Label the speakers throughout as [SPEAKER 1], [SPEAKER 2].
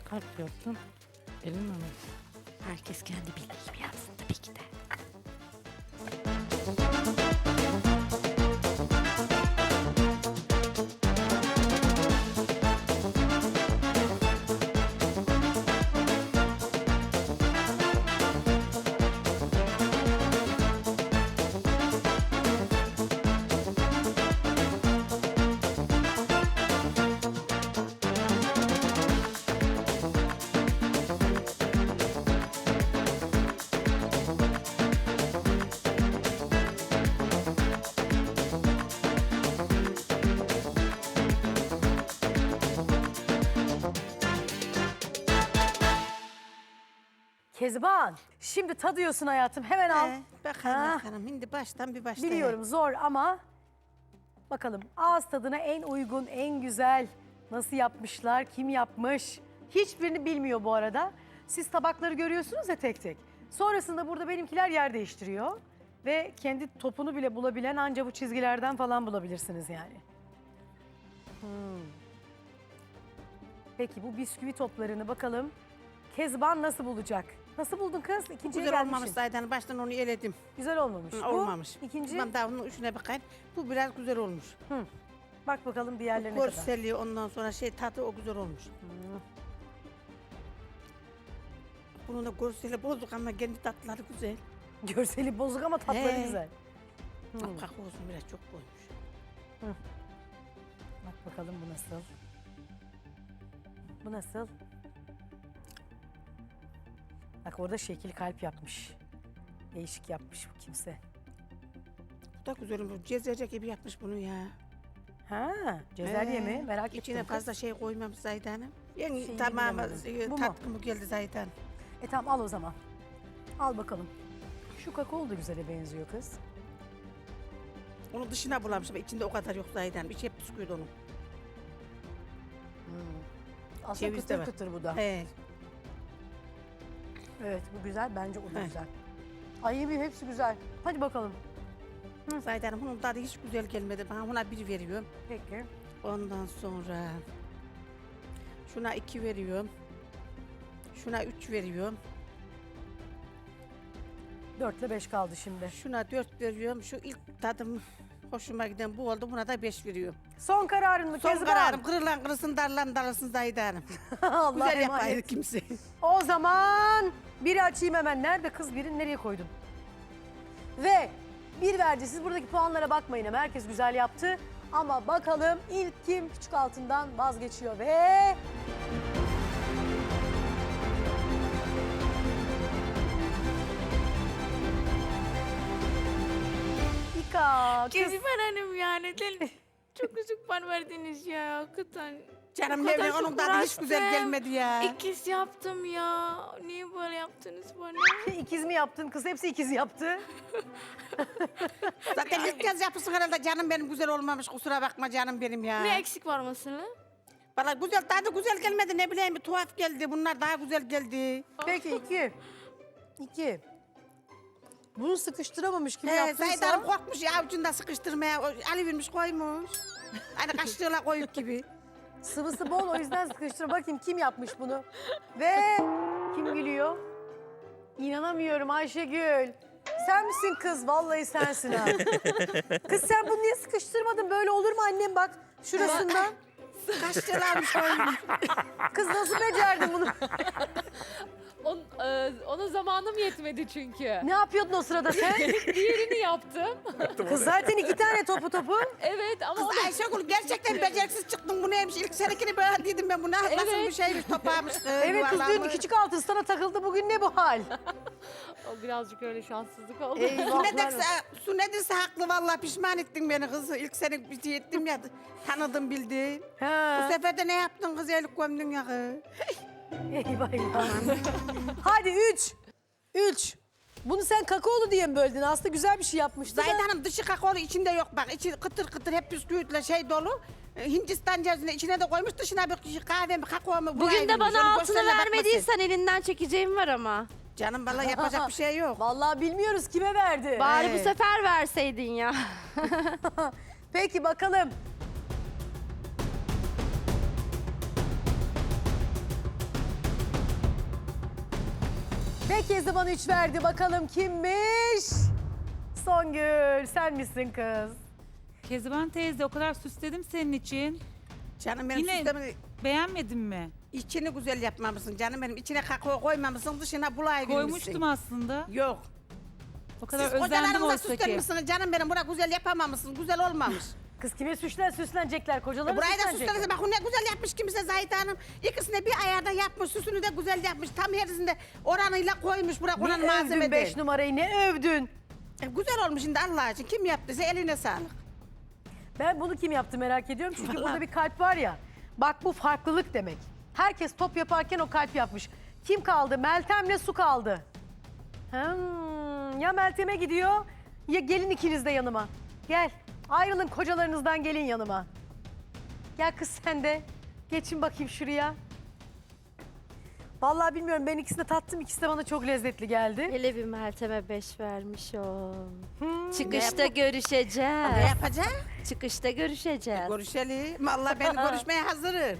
[SPEAKER 1] kalp yaptın. Elin mi?
[SPEAKER 2] Herkes kendi bildiği gibi yapsın tabii ki de.
[SPEAKER 3] Kezban, şimdi tadıyorsun hayatım. Hemen al.
[SPEAKER 4] Bakalım
[SPEAKER 3] Ha.
[SPEAKER 4] bakalım. Şimdi baştan bir başlayalım.
[SPEAKER 3] Biliyorum zor ama bakalım ağız tadına en uygun, en güzel nasıl yapmışlar, kim yapmış? Hiçbirini bilmiyor bu arada. Siz tabakları görüyorsunuz ya tek tek. Sonrasında burada benimkiler yer değiştiriyor. Ve kendi topunu bile bulabilen anca bu çizgilerden falan bulabilirsiniz yani. Peki bu bisküvi toplarını bakalım Kezban nasıl bulacak? Nasıl buldun kız? İkinciye
[SPEAKER 4] Güzel olmamış
[SPEAKER 3] gelmişsin.
[SPEAKER 4] zaten. Baştan onu eledim.
[SPEAKER 3] Güzel olmamış. Bu,
[SPEAKER 4] Olmamış.
[SPEAKER 3] İkinci.
[SPEAKER 4] Ben daha bunun üçüne bakayım. Bu biraz güzel olmuş.
[SPEAKER 3] Bak bakalım diğerlerine kadar.
[SPEAKER 4] Görseli ondan sonra tadı o güzel olmuş. Bunun da görseli bozuk ama kendi tatları güzel.
[SPEAKER 3] Görseli bozuk ama tatları
[SPEAKER 4] He.
[SPEAKER 3] güzel.
[SPEAKER 4] Kalk olsun biraz çok koymuş.
[SPEAKER 3] Bak bakalım bu nasıl? Bu nasıl? Bak orada şekil kalp yapmış. Değişik yapmış bu kimse.
[SPEAKER 4] Bu da güzel olmuş. Cezerce gibi yapmış bunu ya.
[SPEAKER 3] Ha, cezerye mi? Merak ettim.
[SPEAKER 4] İçine
[SPEAKER 3] kız.
[SPEAKER 4] fazla şey koymamış Zahide Hanım. Yani
[SPEAKER 3] Şeyini
[SPEAKER 4] tamamı
[SPEAKER 3] bilemedim. Bu mu?
[SPEAKER 4] tatkımı geldi Zahide Hanım.
[SPEAKER 3] Tamam al o zaman. Al bakalım. Şu kakao da güzele benziyor kız.
[SPEAKER 4] Onu dışına bulamış ama içinde o kadar yok Zahide Hanım. İçi hep bisküvit onun.
[SPEAKER 3] Aslında
[SPEAKER 4] Ceviz de
[SPEAKER 3] kıtır
[SPEAKER 4] var.
[SPEAKER 3] kıtır bu da.
[SPEAKER 4] He.
[SPEAKER 3] Evet bu güzel. Bence o da
[SPEAKER 4] He.
[SPEAKER 3] güzel. Ay yemin hepsi güzel. Hadi bakalım.
[SPEAKER 4] Zahide Hanım bunun tadı hiç güzel gelmedi. Ben buna 1 veriyorum.
[SPEAKER 3] Peki.
[SPEAKER 4] Ondan sonra şuna 2 veriyorum. Şuna 3 veriyorum.
[SPEAKER 3] 4 ile 5 kaldı şimdi.
[SPEAKER 4] Şuna 4 veriyorum. Şu ilk tadım hoşuma giden bu oldu. Buna da 5 veriyorum.
[SPEAKER 3] Son kararın mı
[SPEAKER 4] Son
[SPEAKER 3] Kezban?
[SPEAKER 4] kararım kırılan kırılsın darlan darılsın Zahide Hanım.
[SPEAKER 3] Allah
[SPEAKER 4] Güzel
[SPEAKER 3] emanet.
[SPEAKER 4] yapaydı kimse.
[SPEAKER 3] O zaman biri açayım hemen. Nerede kız birini nereye koydun? Ve bir verdi. Siz buradaki puanlara bakmayın ama herkes güzel yaptı. Ama bakalım ilk kim küçük altından vazgeçiyor ve... İka kız.
[SPEAKER 2] Kezban Hanım ya neden çok küçük puan verdiniz ya hakikaten.
[SPEAKER 4] Canım
[SPEAKER 2] O kadar
[SPEAKER 4] ne
[SPEAKER 2] çok
[SPEAKER 4] onun tadı hiç güzel
[SPEAKER 2] uğraştım.
[SPEAKER 4] gelmedi ya.
[SPEAKER 2] İkiz yaptım ya. Niye böyle yaptınız bana?
[SPEAKER 3] İkiz mi yaptın kız? Hepsi ikiz yaptı.
[SPEAKER 4] Zaten ilk kez yapısın herhalde canım benim güzel olmamış. Kusura bakma canım benim ya.
[SPEAKER 2] Ne eksik var mesela?
[SPEAKER 4] Valla güzel tadı güzel gelmedi ne bileyim bir tuhaf geldi. Bunlar daha güzel geldi.
[SPEAKER 3] Peki iki. Bunu sıkıştıramamış kim
[SPEAKER 4] He,
[SPEAKER 3] yaptıysa.
[SPEAKER 4] Zahide Hanım korkmuş ya avucunda sıkıştırmaya. Alıvermiş koymuş. Hani kaşığıyla koyup gibi.
[SPEAKER 3] Sıvısı bol o yüzden sıkıştır. Bakayım kim yapmış bunu. Ve kim gülüyor? İnanamıyorum Ayşegül. Sen misin kız? Vallahi sensin ha. Kız sen bunu niye sıkıştırmadın? Böyle olur mu annem bak şurasından.
[SPEAKER 4] Kaşığıyla koymuş.
[SPEAKER 3] Kız nasıl becerdin bunu?
[SPEAKER 5] Ona zamanım yetmedi çünkü.
[SPEAKER 3] Ne yapıyordun o sırada sen?
[SPEAKER 5] Diğerini yaptım.
[SPEAKER 3] Kız zaten 2 tane topu.
[SPEAKER 5] Evet ama
[SPEAKER 4] Kız Ayşegül gerçekten beceriksiz çıktın. Bu neymiş? İlk senekini böyle dedim ben. Bu nasıl bir şeymiş topağmış.
[SPEAKER 3] Evet kız dün küçük altın sana takıldı. Bugün ne bu hal?
[SPEAKER 5] o birazcık öyle şanssızlık oldu.
[SPEAKER 4] Su,
[SPEAKER 3] Eyvahlar.
[SPEAKER 4] su nedirse haklı vallahi pişman ettin beni kız. İlk sene bir şey ettim ya tanıdım bildin. Bu
[SPEAKER 3] Ha.
[SPEAKER 4] sefer de ne yaptın kız elik gömdün ya kız.
[SPEAKER 3] Eyvah eyvah. Hadi 3. Bunu sen kakaolu diye mi böldün? Aslında güzel bir şey yapmıştı
[SPEAKER 4] Zahide
[SPEAKER 3] da.
[SPEAKER 4] Hanım dışı kakaolu içinde yok bak. İçi kıtır kıtır hep bisküvitle şey dolu. Hindistan cevizini içine de koymuş dışına bir kahve mi kakao mu?
[SPEAKER 2] Bugün de bana altını vermediysen elinden çekeceğim var ama.
[SPEAKER 4] Canım vallahi yapacak bir şey yok.
[SPEAKER 3] Vallahi bilmiyoruz kime verdi.
[SPEAKER 2] Bari
[SPEAKER 4] Evet.
[SPEAKER 2] bu sefer verseydin ya.
[SPEAKER 3] Peki bakalım. Ve Kezban 3 verdi. Bakalım kimmiş? Songül sen misin kız?
[SPEAKER 6] Kezban teyze o kadar süsledim senin için.
[SPEAKER 4] Canım benim
[SPEAKER 6] Yine
[SPEAKER 4] süslemini
[SPEAKER 6] beğenmedin mi?
[SPEAKER 4] içini güzel yapmamışsın canım benim. İçine kakao koymamışsın, dışına bulay
[SPEAKER 6] Koymuştum aslında.
[SPEAKER 4] Yok.
[SPEAKER 6] O kadar
[SPEAKER 4] Siz
[SPEAKER 6] özendim
[SPEAKER 4] kocalarınıza
[SPEAKER 6] oysa ki.
[SPEAKER 4] süslenmişsiniz canım benim. Buna güzel yapamamışsın, güzel olmamış.
[SPEAKER 3] Kız kime süslenecekler? Kocaları
[SPEAKER 4] Burayı da
[SPEAKER 3] süslenecekler.
[SPEAKER 4] süslenirse bak o ne güzel yapmış kimse Zahide Hanım. İkisini bir ayarda yapmış, süsünü de güzel yapmış. Tam herisinde oranıyla koymuş bırak
[SPEAKER 3] Ne
[SPEAKER 4] oranın
[SPEAKER 3] övdün
[SPEAKER 4] malzeme
[SPEAKER 3] 5
[SPEAKER 4] değil.
[SPEAKER 3] numarayı ne övdün?
[SPEAKER 4] Güzel olmuş şimdi Allah için. Kim yaptıysa eline sağlık.
[SPEAKER 3] Ben bunu kim yaptı merak ediyorum. Çünkü
[SPEAKER 4] Vallahi.
[SPEAKER 3] burada bir kalp var ya. Bak bu farklılık demek. Herkes top yaparken o kalp yapmış. Kim kaldı? Meltem'le Su kaldı. Ya Meltem'e gidiyor ya gelin ikiniz de yanıma. Gel. Ayrılın kocalarınızdan gelin yanıma. Gel kız sen de. Geçin bakayım şuraya. Vallahi bilmiyorum ben ikisini de tattım. İkisi de bana çok lezzetli geldi.
[SPEAKER 7] Hele bir Meltem'e 5 vermiş o.
[SPEAKER 3] Hmm.
[SPEAKER 7] Çıkışta
[SPEAKER 4] Ne
[SPEAKER 7] görüşeceğiz.
[SPEAKER 4] yapacak?
[SPEAKER 7] Çıkışta görüşeceğiz.
[SPEAKER 4] Görüşelim. Vallahi ben görüşmeye hazırım.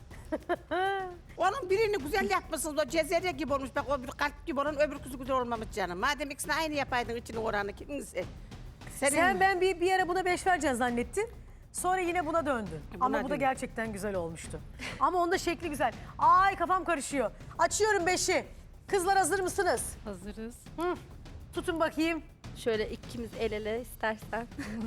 [SPEAKER 4] Onun birini güzel yapmışsınız. O cezerye gibi olmuş. Bak o bir kalp gibi olan öbür kızı güzel olmamış canım. Madem ikisini aynı yapaydın içine oranı kimse.
[SPEAKER 3] Sen ben bir ara buna 5 vereceğim zannettin. Sonra yine buna döndün.
[SPEAKER 4] Buna
[SPEAKER 3] Ama bu da
[SPEAKER 4] döndüm.
[SPEAKER 3] gerçekten güzel olmuştu. Ama onda şekli güzel. Ay kafam karışıyor. Açıyorum 5'i. Kızlar hazır mısınız?
[SPEAKER 1] Hazırız.
[SPEAKER 3] Tutun bakayım.
[SPEAKER 7] Şöyle ikimiz el ele istersen.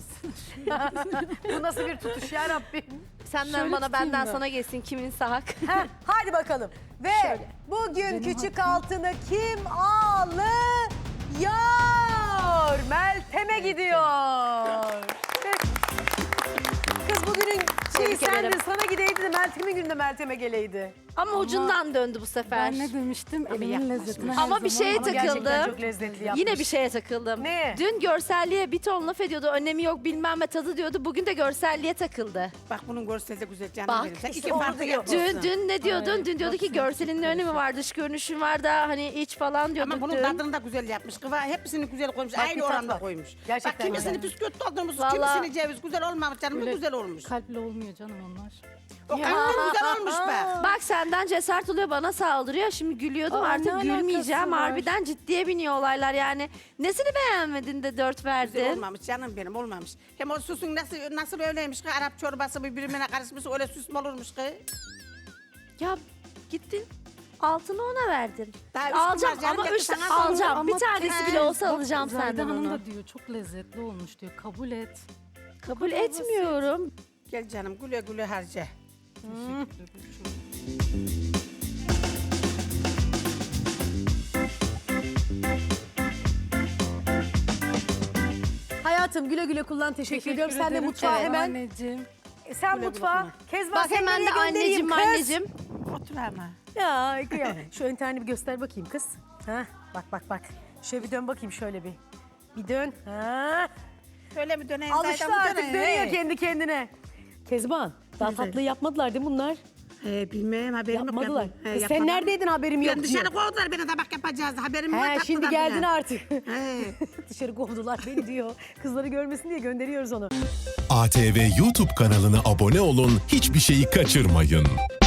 [SPEAKER 3] Bu nasıl bir tutuş ya Rabbim.
[SPEAKER 7] Senden
[SPEAKER 1] Şöyle
[SPEAKER 7] bana
[SPEAKER 1] tutayım
[SPEAKER 7] benden
[SPEAKER 1] mı?
[SPEAKER 7] sana gelsin kimin hak.
[SPEAKER 3] Heh, hadi bakalım. Ve bugün küçük altını kim alıyor? Meltem'e gidiyor. Kız bugünün şeyi
[SPEAKER 7] Tebrik ederim.
[SPEAKER 3] sendin, sana gideydi de Meltem'in gününde Meltem'e geleydi.
[SPEAKER 7] Ama ucundan döndü bu sefer.
[SPEAKER 1] Ben ne demiştim? Elimin
[SPEAKER 4] yapmış
[SPEAKER 1] lezzetine
[SPEAKER 4] mı?
[SPEAKER 1] her
[SPEAKER 7] Ama bir
[SPEAKER 1] zaman-
[SPEAKER 7] şeye
[SPEAKER 3] Ama gerçekten
[SPEAKER 7] takıldım.
[SPEAKER 3] çok lezzetli yapmış.
[SPEAKER 7] Yine bir şeye takıldım.
[SPEAKER 3] Ne?
[SPEAKER 7] Dün görselliğe bir ton laf ediyordu. Önemi yok bilmem ne tadı diyordu. Bugün de görselliğe takıldı.
[SPEAKER 4] Bak bunun görseli de güzel canım
[SPEAKER 7] Bak,
[SPEAKER 4] benim. Sen
[SPEAKER 3] işte
[SPEAKER 4] iki
[SPEAKER 3] onu
[SPEAKER 4] farklı
[SPEAKER 3] diyor.
[SPEAKER 4] yapıyorsun.
[SPEAKER 7] Dün ne diyordun?
[SPEAKER 1] Hayır,
[SPEAKER 7] Dün diyordu ki
[SPEAKER 1] baksana,
[SPEAKER 7] görselin ne önemi var? Dış görünüşün var da hani iç falan diyorduk
[SPEAKER 4] Ama bunun
[SPEAKER 7] dün.
[SPEAKER 4] tadını da güzel yapmış. Kıva hepsini güzel koymuş.
[SPEAKER 3] Bak, bir
[SPEAKER 4] Aynı
[SPEAKER 3] tat
[SPEAKER 4] oranda
[SPEAKER 3] var.
[SPEAKER 4] koymuş.
[SPEAKER 3] Gerçekten
[SPEAKER 4] Bak kimisini
[SPEAKER 3] güzel.
[SPEAKER 4] bisküvit doldurmuş,
[SPEAKER 7] Vallahi-
[SPEAKER 4] kimisini ceviz. Güzel olmamış canım. Bu
[SPEAKER 1] Öyle
[SPEAKER 4] güzel olmuş.
[SPEAKER 1] Kalple olmuyor canım onlar.
[SPEAKER 4] O kalbin güzel olmuş bak.
[SPEAKER 7] Bak senden cesaret oluyor bana saldırıyor. Şimdi gülüyordum
[SPEAKER 1] Aa,
[SPEAKER 7] artık
[SPEAKER 1] ne alakası
[SPEAKER 7] gülmeyeceğim.
[SPEAKER 1] var?
[SPEAKER 7] Harbiden ciddiye biniyor olaylar yani. Nesini beğenmedin de 4
[SPEAKER 4] Güzel
[SPEAKER 7] verdin?
[SPEAKER 4] olmamış canım benim olmamış. Hem o süsün nasıl öyleymiş ki Arap çorbası birbirine karışmış öyle süs mü olurmuş ki?
[SPEAKER 7] Ya gittin altını ona verdin.
[SPEAKER 4] Daha üç
[SPEAKER 7] Alacağım
[SPEAKER 4] gün var canım,
[SPEAKER 7] ama
[SPEAKER 4] belki
[SPEAKER 7] 3
[SPEAKER 4] sana
[SPEAKER 7] alacağım.
[SPEAKER 1] Ama
[SPEAKER 7] Bir tanesi bile olsa
[SPEAKER 1] Bak,
[SPEAKER 7] alacağım
[SPEAKER 1] Zahide
[SPEAKER 7] senden
[SPEAKER 1] Hanım
[SPEAKER 7] onu.
[SPEAKER 1] da diyor çok lezzetli olmuş diyor. Kabul et.
[SPEAKER 7] Kabul etmiyorum.
[SPEAKER 4] Gel canım güle güle harca.
[SPEAKER 1] Teşekkür ederim.
[SPEAKER 3] Hayatım güle güle kullan. Teşekkür ediyorum. Sen de
[SPEAKER 1] ederim.
[SPEAKER 3] mutfağa
[SPEAKER 1] Evet,
[SPEAKER 3] hemen.
[SPEAKER 1] Anneciğim.
[SPEAKER 3] Sen
[SPEAKER 4] Güle güle
[SPEAKER 3] mutfağa.
[SPEAKER 4] kullan.
[SPEAKER 3] Kezban
[SPEAKER 7] Bak
[SPEAKER 3] seni
[SPEAKER 7] hemen
[SPEAKER 3] nereye
[SPEAKER 7] de
[SPEAKER 3] göndereyim
[SPEAKER 7] anneciğim
[SPEAKER 3] kız?
[SPEAKER 7] anneciğim.
[SPEAKER 4] Otur ama.
[SPEAKER 3] Ya kıyam. Şu interneti bir göster bakayım kız. Ha, bak. Şöyle bir dön bakayım şöyle bir. Bir dön. Ha.
[SPEAKER 4] Şöyle mi döneyim?
[SPEAKER 3] Alıştı
[SPEAKER 4] zaten bu
[SPEAKER 3] artık
[SPEAKER 4] döneyim,
[SPEAKER 3] dönüyor
[SPEAKER 4] he.
[SPEAKER 3] kendi kendine. Kezban daha
[SPEAKER 4] Güzel.
[SPEAKER 3] tatlıyı yapmadılar değil mi bunlar?
[SPEAKER 4] Bilmem haberim yok.
[SPEAKER 3] Yapmadılar.
[SPEAKER 4] He,
[SPEAKER 3] Kız sen
[SPEAKER 4] yapmadım.
[SPEAKER 3] neredeydin haberim yok
[SPEAKER 4] Ben
[SPEAKER 3] diyor.
[SPEAKER 4] dışarı kovdular beni tabak yapacağız. Haberim yok.
[SPEAKER 3] He şimdi
[SPEAKER 4] attılar
[SPEAKER 3] geldin
[SPEAKER 4] bile.
[SPEAKER 3] artık.
[SPEAKER 4] He.
[SPEAKER 3] Dışarı kovdular beni diyor. Kızları görmesin diye gönderiyoruz onu.
[SPEAKER 8] ATV YouTube kanalına abone olun, hiçbir şeyi kaçırmayın.